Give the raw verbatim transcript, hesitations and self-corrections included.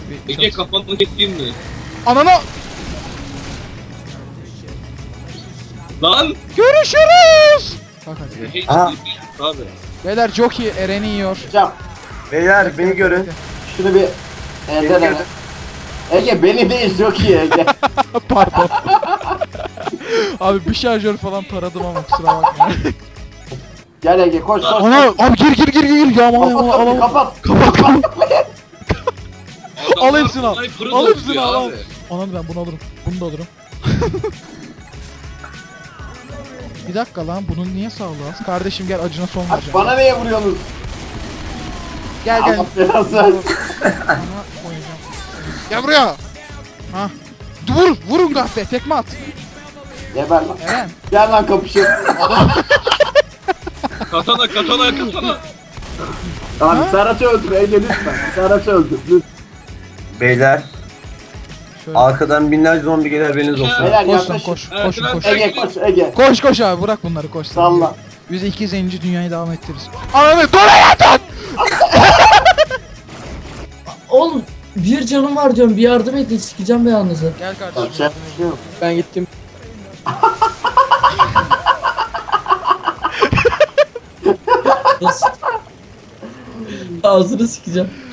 Bir Ege kafanı keseyim mi? Anana! Lan! Görüşürüz! Bak hadi. Aha. Abi. Beyler çok iyi, Eren'i yiyor. Hocam Beyler beni görün. şunu bir Beni elde görün. Ege beni değil çok iyi Ege. Pardon. Abi bir şarjör falan taradım ama kusura bakma. Gel Ege koş koş. Ana abi gir gir gir gir yağma Kapat yağma kapıyı al. kapat. Kapat kapat. Al Adamlar hepsini al. sniper Al atıyor hepsini al. al. abi. Anam ben bunu alırım. Bunu da alırım. Bir dakika lan bunun niye sağlığı az? Kardeşim gel acına son Abi vereceğim. bana niye vuruyorsunuz? Gel gel. Allah belanı versin. Bana koyacağım. Gel buraya. Ha. Vur vurun kahpe tekme at. Geber lan. Eren. Gel lan kapışın. Katana katana katana. Abi Ha? Serhat'ı öldür Ege lütfen. Serhat'ı öldür lütfen. Beyler Şöyle. arkadan binlerce zombi gelir haberiniz olsun. Beyler Koş lan yaklaşın. koş. Evet, Koşun ben- koş. Ege koş Ege. Koş koş abi bırak bunları koş. Salla. Biz iki zenci dünyayı devam ettiririz. Ananı dur hayatım. Oğlum bir canım var diyorum, bir yardım edin, sikeceğim be yalnızı. Gel Yapacak kardeşim. bir şey yok. Ben gittim. Nasıl? Ağzını sikeceğim.